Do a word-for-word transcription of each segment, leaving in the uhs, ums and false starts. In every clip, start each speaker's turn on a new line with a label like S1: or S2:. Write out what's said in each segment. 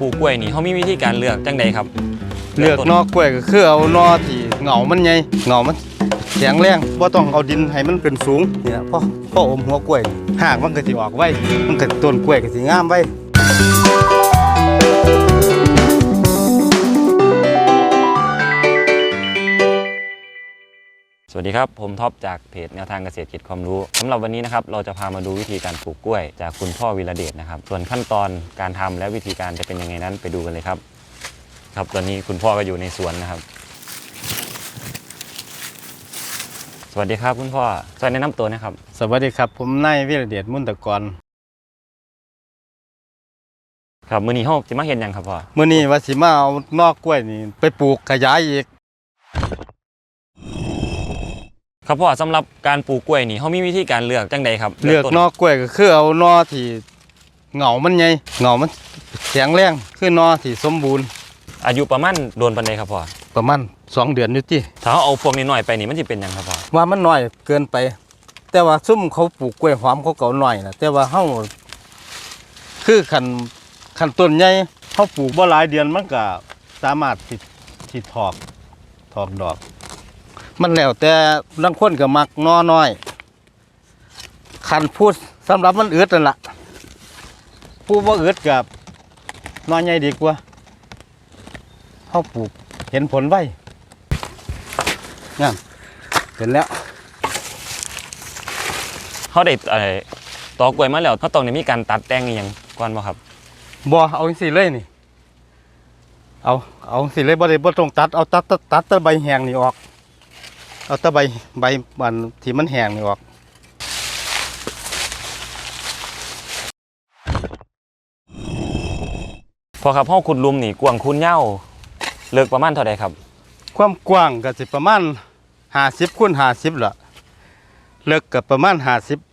S1: ลูกกล้วยนี่เขามีวิธีการเลือกจังใดครับ
S2: เลือกนอกกล้วยก็คือเอานอที่เหงามันใหญ่เหงามันแข็งแรงบ่ต้องเอาดินให้มันเป็นสูงนี่นะพ่อพ่ออมหัวกล้วยหากมันก็สิออกไว้มันก็ต้นกล้วยก็สิงามไว้
S1: สวัสดีครับผมท็อปจากเพจแนวทางเกษตรกิจความรู้สำหรับวันนี้นะครับเราจะพามาดูวิธีการปลูกกล้วยจากคุณพ่อวีระเดชนะครับส่วนขั้นตอนการทำและวิธีการจะเป็นยังไงนั้นไปดูกันเลยครับครับตอนนี้คุณพ่อก็อยู่ในสวนนะครับสวัสดีครับคุณพ่อสวัสดีแนะนำตัวนะครับ
S2: สวัสดีครับผมนายวีระเดชมุนตะกร
S1: ครับมื้อนี้เฮาสิมาเฮ็ดหยังครับพ่อ
S2: มื้อนี้ว่าสิมาเอานอกกล้วยนี่ไปปลูกขยายอีก
S1: ครับพ่อสำหรับการปลูกกล้วยนี่เขามีวิธีการเลือกจังใดครับ
S2: เลือกนอกกล้วยก็คือเอานอที่เหงามันใหญ่เหงามันแข็งแรงคือนอที่สมบูรณ์
S1: อายุประมาณโดนปานใดครับพ่อ
S2: ประมาณสองเดือนอยู่ติ
S1: ถ้าเอาพวกนี้น้อยไปนี่มันสิเป็นหยังครับพ่อ
S2: ว่ามันน้อยเกินไปแต่ว่าซุ่มเขาปลูกกล้วยหอมเขาเก่าน้อยนะแต่ว่าเฮาคือคันคันต้นใหญ่เฮาปลูกบ่หลายเดือนมันก็สามารถสิสิถอกถอกดอกมันแล้วแต่บางคนก็มักนอน้อยคันพูดสำหรับมันอึดนั่นล่ะผู้บ่อึดกับนอใหญ่ดีกว่าเฮาปลูกเห็นผลไวงั้นเห็นแล้ว
S1: เขาได้ไอ้ตอกล้วยมาแล้วเขาต้องได้มีการตัดแต่งอีหยังก่อนบ่ครับ
S2: บ่เอาจังซี่เลยนี่เอาเอาจังซี่เลยบ่ได้บ่ต้องตัดเอาตัดตัดตัดแต่ใบแห้งนี่ออกเอาแต่ใบใบมันที่มันแห้งนี่ออก
S1: พอครับเฮาขุดหลุมนี่กว้างคูณยาวเลิกประมาณเท่าใดครับ
S2: ความกว้างก็สิประมาณห้าสิบคูณห้าสิบล่ะเลิกก็ประมาณห้าสิบ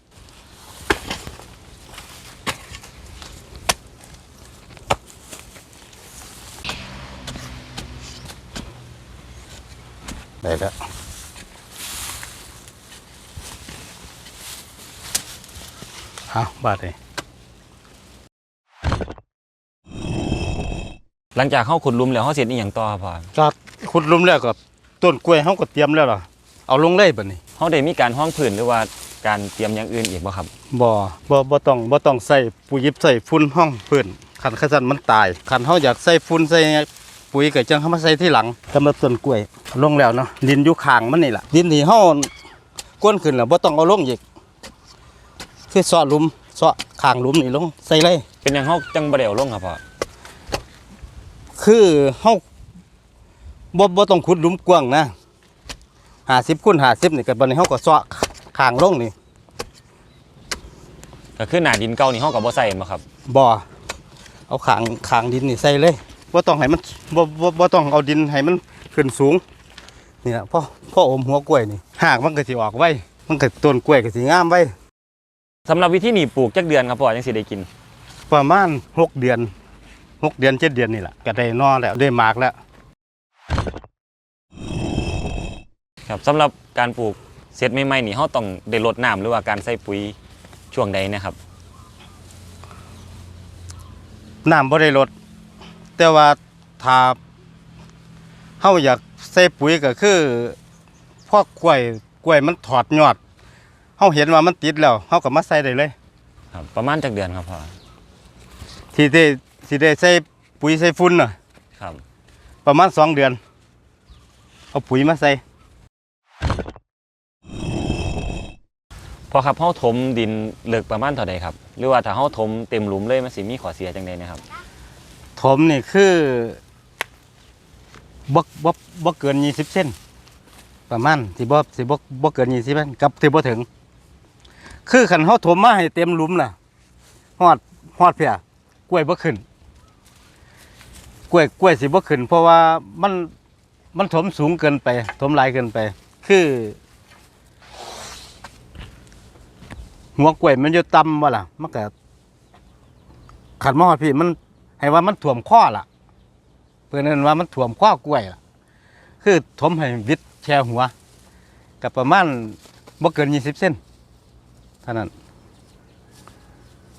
S2: ได้แล้วเอาบาดเลย
S1: หลังจากเฮาขุดหลุมแล้วเฮาเสร็จอีหยังต่อครับพ่อ
S2: จากขุดหลุมแล้วก็ต้นกล้วยเฮาก็เตรียมแล้วล่ะเอาลงเลยบัดนี้
S1: เฮาได้มีการห้องพื้นหรือว่าการเตรียมอย่างอื่นอีกบ่ครับ
S2: บ่บ่บ่ต้องบ่ต้องใส่ปุ๋ยยิบใส่ฝุ่นห้องพื้นคันคันซั่นมันตายคันเฮาอยากใส่ฝุ่นใส่ปุ๋ยก็จังเฮามาใส่ที่หลังสำหรับต้นกล้วยลงแล้วเนาะดินอยู่ข้างมันนี่ล่ะดินที่เฮาก้นขึ้นแล้วบ่ต้องเอาลงอีกคือเซาะหลุมเซาะข้างหลุมนี่ลงใส่เลย
S1: เป็นหยังเฮาจังบ่ได้เอาลงครับพ่อ
S2: คือเฮาบ่บ่ต้องขุดหลุมกว้างนะห้าสิบคูณห้าสิบนี่ก็บัดนี้เฮาก็เซาะข้างลงนี่
S1: ก็คือหน้าดินเก่านี่เฮาก็บ่ใส่บ่ครับ
S2: บ่เอาข้างข้างดินนี่ใส่เลยบ่ต้องให้มันบ่บ่บ่ต้องเอาดินให้มันขึ้นสูงนี่ล่ะพ่อพ่ออมหัวกล้วยนี่หากมันก็สิออกไว้มันก็ต้นกล้วยก็สิงามไว้
S1: สำหรับวิธีนี้ปลูกจักเดือนครับพ่อจังสิได้กิน
S2: ประมาณหกเดือนหกเดือนเจ็ดเดือนนี่แหละก็ได้นอแล้วได้หมากแล้ว
S1: ครับสำหรับการปลูกเสร็จใหม่ๆนี่เฮาต้องได้รดน้ำหรือว่าการใส่ปุ๋ยช่วงใดนะครับ
S2: น้ำบ่ได้ลดแต่ว่าถ้าเฮาอยากใส่ปุ๋ยก็คือพอกกล้วยกล้วยมันถอดยอดเฮาเห็นว่ามันติดแล้วเฮาก็มาใส่ได้เลย
S1: ครับประมาณจักเดือนครับพ่อ
S2: ที่ได้สิได้ใส่ปุ๋ยใส่ฝุ่นน่ะ
S1: ครับ
S2: ประมาณสองเดือนเอาปุ๋ยมาใส่
S1: พอครับเฮาถมดินเลิกประมาณเท่าใดครับหรือว่าถ้าเฮาถมเต็มหลุมเลยมันสิมีข้อเสียจังใดนะครับ
S2: ถมนี่คือบ่บ่บ่เกินยี่สิบเซนประมาณสิบ่สิบ่บ่เกินยี่สิบเซนกับสิบ่ถึงคือคันเฮาถมมาให้เต็มหลุมน่ะฮอดฮอดเพียกล้วยบ่ขึ้นกล้วยกล้วยสิบ่ขึ้นเพราะว่ามันมันถมสูงเกินไปถมหลายเกินไปคือหัวกล้วยมันอยู่ต่ำบ่ล่ะมันก็ขันมอดพี่มันให้ว่ามันถ่วมข้อล่ะเพื่อนนั้นว่ามันถ่วมข้อกล้วยล่ะคือถมให้วิดแช่หัวกับประมาณบ่เกินยี่สิบเซนเท่านั้น